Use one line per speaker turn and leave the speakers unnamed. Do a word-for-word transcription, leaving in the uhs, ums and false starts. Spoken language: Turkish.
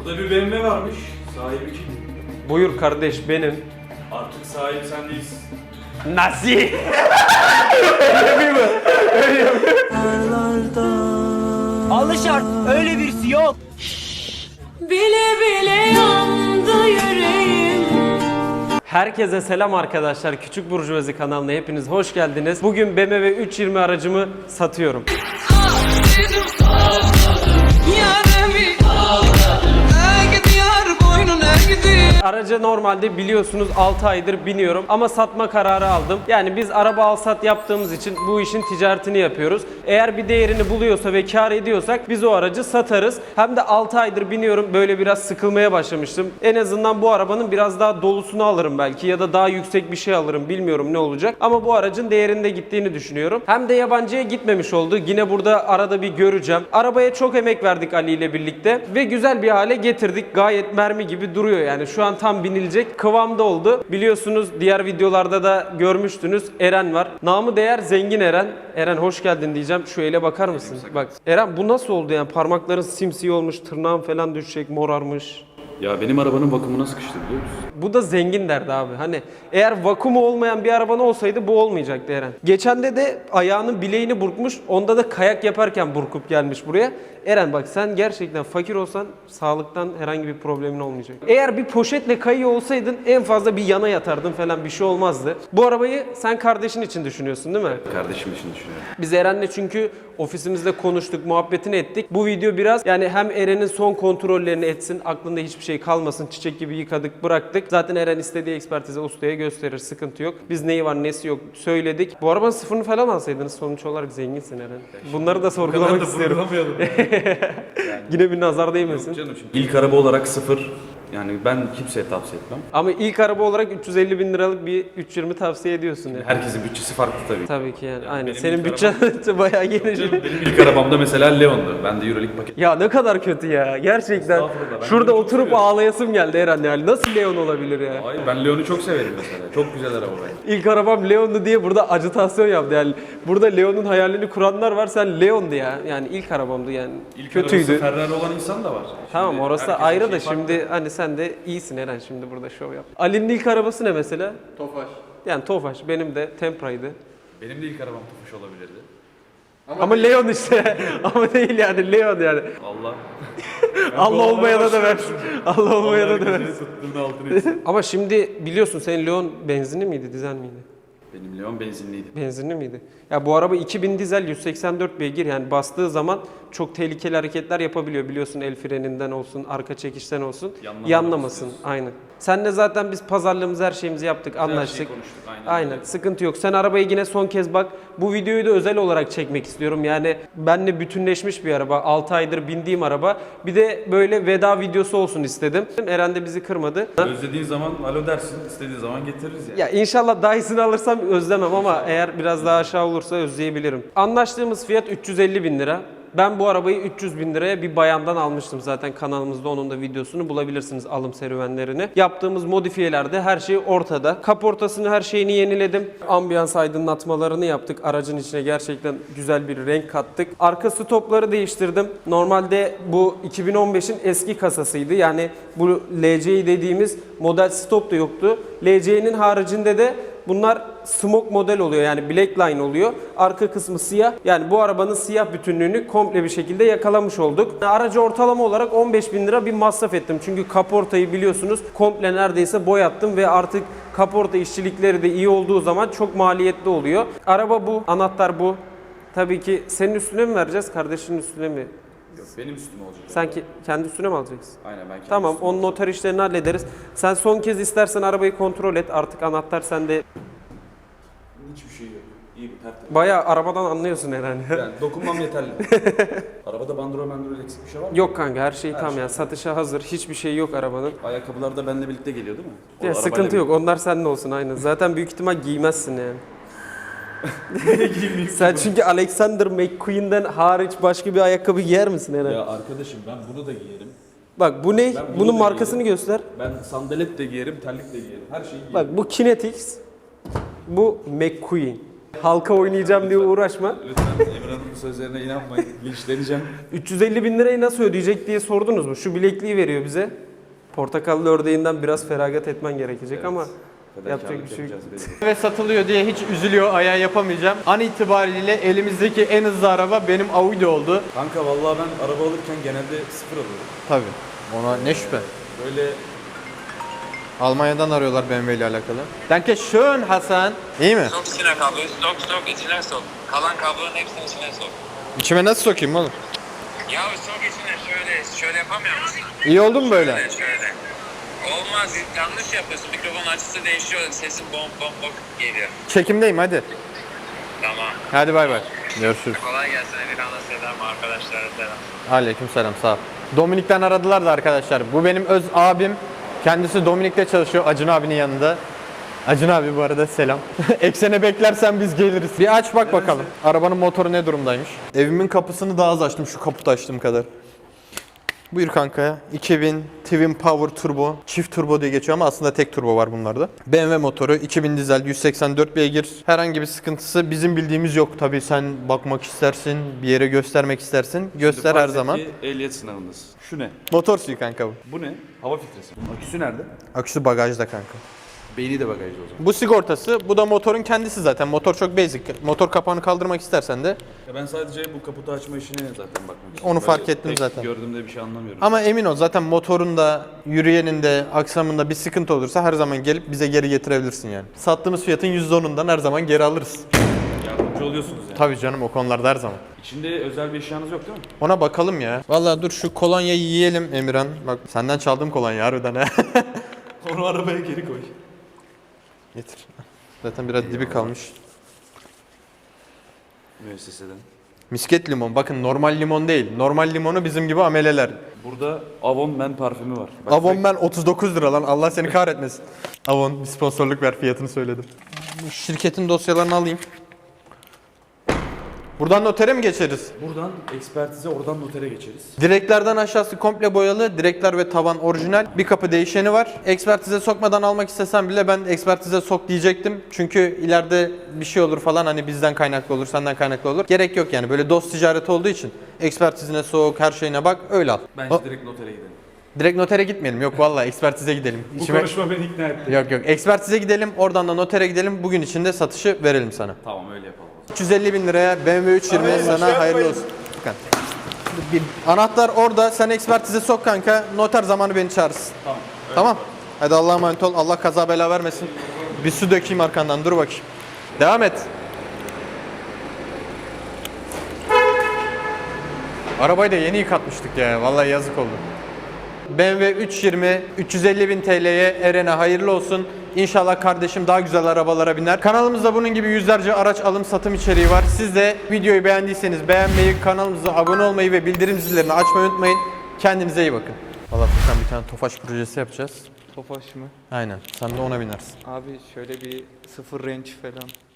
Burada bir B M W varmış. Sahibi kim?
Buyur kardeş, benim.
Artık sahibi sen değilsin.
Nasıl? Öyle mi? Öyle mi?
Alışart öyle birisi yok.
Bile bile yandı yüreğim.
Herkese selam arkadaşlar. Küçük Burjuvazi kanalına hepiniz hoş geldiniz. Bugün B M W üç yüz yirmi aracımı satıyorum. Araca normalde biliyorsunuz altı aydır biniyorum ama satma kararı aldım. Yani biz araba al sat yaptığımız için bu işin ticaretini yapıyoruz. Eğer bir değerini buluyorsa ve kar ediyorsak biz o aracı satarız. Hem de altı aydır biniyorum, böyle biraz sıkılmaya başlamıştım. En azından bu arabanın biraz daha dolusunu alırım belki ya da daha yüksek bir şey alırım, bilmiyorum ne olacak. Ama bu aracın değerinde gittiğini düşünüyorum. Hem de yabancıya gitmemiş oldu. Yine burada arada bir göreceğim. Arabaya çok emek verdik Ali ile birlikte ve güzel bir hale getirdik. Gayet mermi gibi duruyor yani. Şu an tam binilecek kıvamda oldu. Biliyorsunuz diğer videolarda da görmüştünüz. Eren var. Namı değer Zengin Eren. Eren hoş geldin diyeceğim. Şu ele bakar mısın? Bak Eren, bu nasıl oldu yani? Parmakların simsiyah olmuş, tırnağın falan düşecek, morarmış.
Ya benim arabanın bakımına sıkıştı biliyor musun?
Bu da zengin derdi abi. Hani eğer vakumu olmayan bir araban olsaydı bu olmayacaktı Eren. Geçende de ayağının bileğini burkmuş. Onda da kayak yaparken burkup gelmiş buraya. Eren bak, sen gerçekten fakir olsan sağlıktan herhangi bir problemin olmayacak. Eğer bir poşetle kayıyor olsaydın en fazla bir yana yatardın falan, bir şey olmazdı. Bu arabayı sen kardeşin için düşünüyorsun değil mi?
Kardeşim için düşünüyorum.
Biz Eren'le çünkü ofisimizde konuştuk, muhabbetini ettik. Bu video biraz yani hem Eren'in son kontrollerini etsin, aklında hiçbir şey kalmasın, çiçek gibi yıkadık, bıraktık. Zaten Eren istediği ekspertize ustaya gösterir, sıkıntı yok. Biz neyi var nesi yok söyledik. Bu arabanın sıfırını falan alsaydınız, sonuç olarak zenginsin Eren. Bunları da sorgulamak istiyorum. Yine bir nazar değmesin.
Yok canım, şimdi ilk araba olarak sıfır. Yani ben kimseye tavsiye etmem.
Ama ilk araba olarak üç yüz elli bin liralık bir üç yüz yirmi tavsiye ediyorsun yani.
Herkesin bütçesi farklı tabii.
Tabii ki yani, aynen.
benim
Senin
ilk
bütçen bayağı geniş.
Benim ilk arabamda mesela Leon'du. Ben de Euroleague paket.
Ya ne kadar kötü ya gerçekten.
Estağfurullah, ben
Şurada
Leon'u çok
oturup
seviyorum.
ağlayasım geldi Eren yani. Nasıl Leon olabilir ya?
Hayır, ben Leon'u çok severim mesela. Çok güzel araba bence.
İlk arabam Leon'du diye burada ajitasyon yaptı yani. Burada Leon'un hayalini kuranlar var, sen Leon'du ya. Yani ilk arabamdı yani.
İlk
Kötüydü.
arabası Ferrari olan insan da var.
Tamam,
Şimdi
orası
herkesin
ayrı da
şeyi farklı.
şimdi hani sen de iyisin Eren, şimdi burada şov yap. Ali'nin ilk arabası ne mesela?
Tofaş.
Yani Tofaş, benim de Tempra'ydı.
Benim de ilk arabam Tofaş olabilirdi.
Ama Leon işte. Ama değil yani, Leon yani.
Allah.
Allah olmayana da versin. Allah olmayana da versin.
Tuttuğun altını etsin.
Ama şimdi biliyorsun, senin Leon benzinli miydi, dizel miydi?
Benim Leon benzinliydi.
Benzinli miydi? Ya bu araba iki bin dizel, yüz seksen dört beygir, yani bastığı zaman çok tehlikeli hareketler yapabiliyor. Biliyorsun, el freninden olsun, arka çekişten olsun.
Yanlamadan
Yanlamasın.
istiyorsun.
Aynen. Senle zaten biz pazarlığımızı, her şeyimizi yaptık, anlaştık.
şeyi konuştuk, aynen
Aynen.
öyle.
Sıkıntı yok. Sen arabayı yine son kez bak. Bu videoyu da özel olarak çekmek istiyorum. Yani benle bütünleşmiş bir araba. altı aydır bindiğim araba. Bir de böyle veda videosu olsun istedim. Eren de bizi kırmadı.
Özlediğin zaman alo dersin, istediğin zaman getiririz yani.
Ya inşallah daha iyisini alırsam özlemem ama eğer biraz daha aşağı olursa özleyebilirim. Anlaştığımız fiyat üç yüz elli bin lira. Ben bu arabayı üç yüz bin liraya bir bayandan almıştım, zaten kanalımızda onun da videosunu bulabilirsiniz, alım serüvenlerini. Yaptığımız modifiyelerde her şey ortada. Kaportasını, her şeyini yeniledim. Ambiyans aydınlatmalarını yaptık. Aracın içine gerçekten güzel bir renk kattık. Arka stopları değiştirdim. Normalde bu iki bin on beşin eski kasasıydı. Yani bu L C dediğimiz model stop da yoktu. L C'nin haricinde de bunlar smoke model oluyor, yani black line oluyor. Arka kısmı siyah. Yani bu arabanın siyah bütünlüğünü komple bir şekilde yakalamış olduk. Aracı ortalama olarak on beş bin lira bir masraf ettim. Çünkü kaportayı biliyorsunuz komple neredeyse boyattım ve artık kaporta işçilikleri de iyi olduğu zaman çok maliyetli oluyor. Araba bu, anahtar bu. Tabii ki senin üstüne mi vereceğiz, kardeşinin üstüne mi?
Yok, benim üstüme olacak.
Sen ki, kendi üstüne mi alacaksın?
Aynen, ben kendim
Tamam,
üstüme
onun
olacak.
noter işlerini hallederiz. Sen son kez istersen arabayı kontrol et. Artık anahtar sende.
Hiçbir şey yok. İyi bir tertemiz.
Bayağı arabadan anlıyorsun herhalde.
Yani dokunmam yeterli. Arabada bandrol bandrol eksik bir şey var mı?
Yok kanka, her şey
Her
tam
şey
ya. Satışa hazır. Hiçbir şey yok arabanın.
Ayakkabılar da benimle birlikte geliyor değil mi? O
Ya
arabayla
sıkıntı yok.
birlikte.
Onlar seninle olsun aynen. Zaten büyük ihtimal giymezsin yani. Sen çünkü Alexander McQueen'den hariç başka bir ayakkabı giyer misin herhalde?
Ya arkadaşım, ben bunu da giyerim.
Bak bu ne?
Ben bunu
Bunun
da
markasını
giyerim.
göster.
Ben sandalet de giyerim, terlik de giyerim. Her şeyi giyerim.
Bak bu Kinetix. Bu McQueen. Halka oynayacağım diye uğraşma.
Lütfen Emirhan'ın bu sözlerine inanmayın. Linçleneceğim.
üç yüz elli bin lirayı nasıl ödeyecek diye sordunuz mu? Şu bilekliği veriyor bize. Portakallı ördeğinden biraz feragat etmen gerekecek
Evet.
ama
Fedakarlık
yapacak bir şey yok.
yapacağız, belli.
Ve satılıyor diye hiç üzülüyor, ayağı yapamayacağım. An itibariyle elimizdeki en hızlı araba benim Audi oldu.
Kanka vallahi ben araba alırken genelde sıfır alıyorum.
Tabii. Ona ne şüphe.
Böyle
Almanya'dan arıyorlar B M W ile alakalı. Danke schön Hasan. İyi mi?
Sok içine kabloyu, sok sok içine sok. Kalan kablonun hepsini içine sok.
İçime nasıl sokayım oğlum?
Ya sok içine şöyle, şöyle yapamıyor musun?
İyi oldu mu böyle?
Şöyle, şöyle. Olmaz, yanlış yapıyorsun. Mikrofon açısı değişiyor, sesin bom bom bom geliyor.
Çekimdeyim hadi.
Tamam.
Hadi bay bay. Görüşürüz.
Kolay gelsin, Emirhan'a selam, arkadaşlara selam.
Aleyküm selam sağ ol. Dominik'ten aradılar da arkadaşlar. Bu benim öz abim. Kendisi Dominik'te çalışıyor Acun abinin yanında. Acun abi bu arada selam. Eksene beklersen biz geliriz. Bir aç bak bakalım. Arabanın motoru ne durumdaymış. Evimin kapısını daha az açtım şu kaputu açtığım kadar. Buyur kanka. iki bin Twin Power Turbo. Çift turbo diye geçiyor ama aslında tek turbo var bunlarda. B M W motoru, iki bin dizel, yüz seksen dört beygir. Herhangi bir sıkıntısı bizim bildiğimiz yok. Tabii sen bakmak istersin, bir yere göstermek istersin. Göster her
fark et
zaman.
ki ehliyet sınavındasın. Şu ne?
Motor suyu kanka bu.
Bu ne? Hava filtresi. Aküsü nerede?
Aküsü bagajda kanka.
Beyni de bagajda o zaman.
Bu sigortası, bu da motorun kendisi zaten. Motor çok basic. Motor kapağını kaldırmak istersen de.
Ya ben sadece bu kaputu açma işine zaten bakmak istiyorum.
Onu
Böyle
fark ettim
tek
zaten.
Gördüğümde bir şey anlamıyorum.
Ama emin ol zaten motorunda, yürüyeninde, aksamında bir sıkıntı olursa her zaman gelip bize geri getirebilirsin yani. Sattığımız fiyatın yüzde onundan her zaman geri alırız.
Yardımcı oluyorsunuz yani.
Tabii canım o konularda her zaman.
İçinde özel bir eşyanız yok değil mi?
Ona bakalım ya. Vallahi dur şu kolonyayı yiyelim Emirhan. Bak senden çaldığım kolonya harbiden ha.
Onu arabaya geri koy.
Getir. Zaten biraz dibi kalmış.
Müesseseden.
Misket limon. Bakın normal limon değil. Normal limonu bizim gibi ameleler.
Burada Avon Men parfümü var. Bak,
Avon ben otuz dokuz lira lan. Allah seni kahretmesin. Avon bir sponsorluk ver, fiyatını söyledim. Bu şirketin dosyalarını alayım. Buradan notere mi geçeriz?
Buradan ekspertize, oradan notere geçeriz.
Direklerden aşağısı komple boyalı. Direkler ve tavan orijinal. Bir kapı değişeni var. Ekspertize sokmadan almak istesem bile ben ekspertize sok diyecektim. Çünkü ileride bir şey olur falan, hani bizden kaynaklı olur, senden kaynaklı olur. Gerek yok yani, böyle dost ticareti olduğu için ekspertizine sok, her şeyine bak, öyle al.
Bence
O-
direkt notere gidelim.
Direkt notere gitmeyelim. Yok vallahi ekspertize gidelim.
Bu
İçime-
konuşma beni ikna etti.
Yok yok. Ekspertize gidelim. Oradan da notere gidelim. Bugün içinde satışı verelim sana.
Tamam öyle yapalım.
üç yüz elli bin liraya B M W üç yirmi sana hayırlı olsun. Bakın. Bir anahtar orada. Sen ekspertize sok kanka. Noter zamanı beni çağırırsın.
Tamam.
Tamam. Hadi Allah'a emanet ol. Allah kaza bela vermesin. Bir su dökeyim arkandan. Dur bakayım. Devam et. Arabayı da yeni yıkatmıştık ya. Vallahi yazık oldu. B M W üç yirmi üç yüz elli bin T L'ye Eren'e hayırlı olsun. İnşallah kardeşim daha güzel arabalara biner. Kanalımızda bunun gibi yüzlerce araç alım satım içeriği var. Siz de videoyu beğendiyseniz beğenmeyi, kanalımıza abone olmayı ve bildirim zillerini açmayı unutmayın. Kendinize iyi bakın. Valla Furkan bir tane Tofaş projesi yapacağız.
Tofaş mı?
Aynen. Sen de ona binersin.
Abi şöyle bir sıfır range falan.